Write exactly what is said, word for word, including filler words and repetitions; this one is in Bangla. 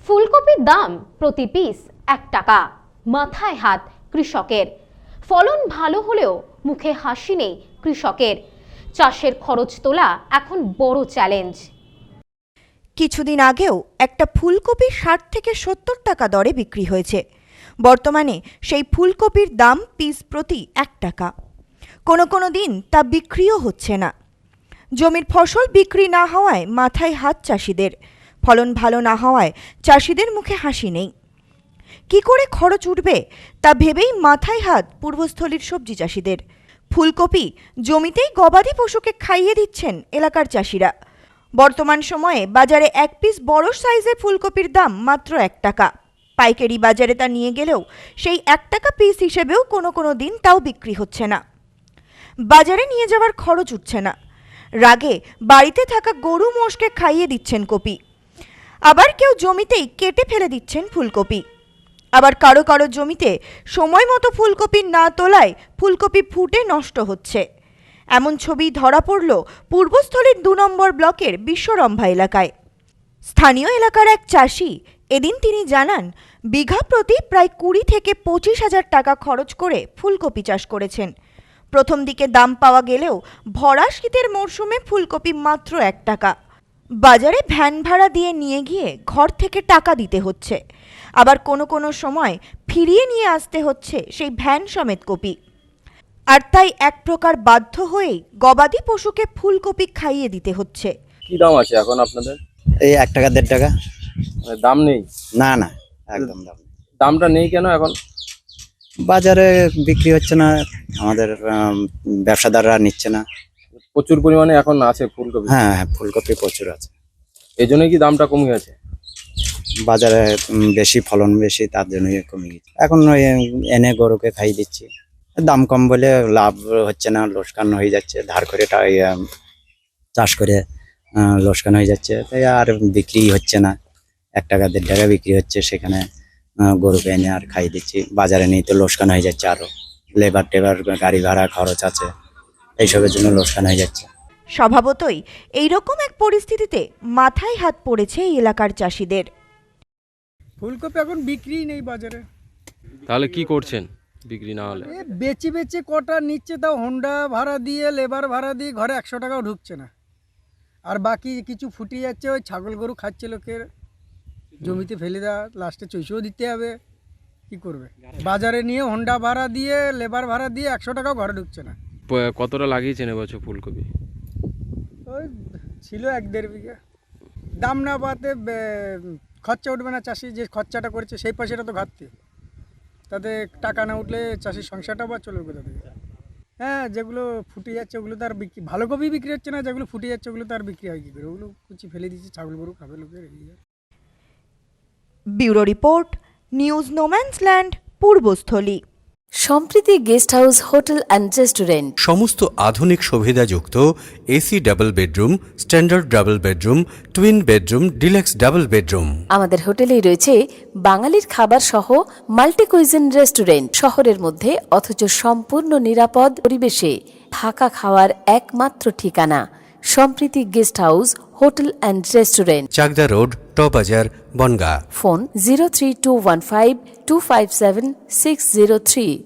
ফুলকপির দাম প্রতি পিস এক টাকা, মাথায় হাত কৃষকের। ফলন ভালো হলেও মুখে হাসি নেই কৃষকের। চাষের খরচ তোলা এখন বড় চ্যালেঞ্জ। কিছুদিন আগেও একটা ফুলকপি ষাট থেকে সত্তর টাকা দরে বিক্রি হয়েছে। বর্তমানে সেই ফুলকপির দাম পিস প্রতি এক টাকা। কোনো কোনো দিন তা বিক্রিও হচ্ছে না। জমির ফসল বিক্রি না হওয়ায় মাথায় হাত চাষিদের। ফলন ভালো না হওয়ায় চাষিদের মুখে হাসি নেই। কি করে খরচ উঠবে তা ভেবেই মাথায় হাত পূর্বস্থলীর সবজি চাষিদের। ফুলকপি জমিতেই গবাদি পশুকে খাইয়ে দিচ্ছেন এলাকার চাষিরা। বর্তমান সময়ে বাজারে এক পিস বড় সাইজের ফুলকপির দাম মাত্র এক টাকা। পাইকারি বাজারে তা নিয়ে গেলেও সেই এক টাকা পিস হিসেবেও কোনো কোনো দিন তাও বিক্রি হচ্ছে না। বাজারে নিয়ে যাওয়ার খরচ উঠছে না। রাগে বাড়িতে থাকা গরু মোষকে খাইয়ে দিচ্ছেন কপি। আবার কেউ জমিতেই কেটে ফেলে দিচ্ছেন ফুলকপি। আবার কারো কারো জমিতে সময় মতো ফুলকপি না তোলায় ফুলকপি ফুটে নষ্ট হচ্ছে। এমন ছবি ধরা পড়ল পূর্বস্থলীর দু নম্বর ব্লকের বিশ্বরম্ভা এলাকায়। স্থানীয় এলাকার এক চাষি এদিন তিনি জানান, বিঘা প্রতি প্রায় কুড়ি থেকে পঁচিশ হাজার টাকা খরচ করে ফুলকপি চাষ করেছেন। প্রথম দিকে দাম পাওয়া গেলেও ভরা শীতের মরশুমে ফুলকপি মাত্র এক টাকা। বাজারে ভ্যান ভাড়া দিয়ে নিয়ে গিয়ে ঘর থেকে টাকা দিতে হচ্ছে। আবার কোনো কোনো সময় ফিরিয়ে নিয়ে আসতে হচ্ছে সেই ভ্যান সমেত কপি। আর তাই এক প্রকার বাধ্য হয়েই গবাদি পশুকে ফুলকপি খাইয়ে দিতে হচ্ছে। কি দাম আছে এখন আপনাদের? এই এক টাকা দেড় টাকা। মানে দাম নেই? না না, একদম দাম নেই। দামটা নেই কেন? এখন বাজারে বিক্রি হচ্ছে না, আমাদের ব্যবসাদাররা নিচ্ছে না। প্রচুর পরিমাণে এখন আছে ফুলকপি। হ্যাঁ হ্যাঁ, ফুলকপি প্রচুর আছে। এই জন্যই কি দামটা কমে গেছে? বাজারে বেশি ফলন বেশি, তার জন্যই কমে গেছে। এখন ওই এনে গরুকে খাই দিচ্ছি। দাম কম বলে লাভ হচ্ছে না, লোকসান হয়ে যাচ্ছে। ধার করে চাষ করে লোকসান হয়ে যাচ্ছে, তাই আর বিক্রি হচ্ছে না। এক টাকা দেড় টাকা বিক্রি হচ্ছে, সেখানে গরুকে এনে আর খাই দিচ্ছি। বাজারে নিয়ে তো লোকসান হয়ে যাচ্ছে, আরো লেবার টেবার গাড়ি ভাড়া খরচ আছে, এইসবের জন্য লোকসান হয়ে যাচ্ছে। স্বভাবতই এইরকম এক পরিস্থিতিতে মাথায় হাত পড়েছে এই এলাকার চাষিদের। ফুলকপি এখন বিক্রি নেই বাজারে। তাহলে কি করছেন বিক্রি না হলে? এ বেচে বেচে কটা নিচ্ছে, তাও হোন্ডা ভাড়া দিয়ে লেবার ভাড়া দিয়ে ঘরে একশো টাকাও ঢুকছে না। আর বাকি কিছু ফুটিয়ে যাচ্ছে, ওই ছাগল গরু খাচ্ছে লোকের, জমিতে ফেলে দেওয়া, লাস্টে চৈষও দিতে হবে। কি করবে? বাজারে নিয়ে হোন্ডা ভাড়া দিয়ে লেবার ভাড়া দিয়ে একশো টাকাও ঘরে ঢুকছে না। কতটা লাগিয়েছেন এবছর ফুলকপি? ওই ছিল এক দেড় বিঘা। দাম না পাতে খরচা উঠবে না, চাষি যে খরচাটা করেছে সেই পয়সাটা তো ঘাটতি। তাতে টাকা না উঠলে চাষির সংসারটা বা চলবে কোথা থেকে? হ্যাঁ, যেগুলো ফুটে যাচ্ছে ওগুলো তো আর বিক্রি, ভালো কপি বিক্রি হচ্ছে না। যেগুলো ফুটে যাচ্ছে ওগুলো তো আর বিক্রি হয় কী করে? ওগুলো কুচি ফেলে দিচ্ছে, ছাগল গরু খাবে লোকের। Bureau report, news no man's land, Purbasthali. Sampriti guest house hotel and restaurant. সমস্ত আধুনিক সুবিধাযুক্ত AC double bedroom, standard double bedroom, twin bedroom, deluxe double bedroom. আমাদের হোটেলেই রয়েছে বাঙালির খাবার সহ মাল্টি কুইজিন রেস্টুরেন্ট। শহরের মধ্যে অথচ সম্পূর্ণ নিরাপদ পরিবেশে থাকা খাওয়ার একমাত্র ঠিকানা Sampriti guest house hotel and restaurant, Chakdah road, টবাজার, Bangaon. Phone zero three two one five two five seven six zero three.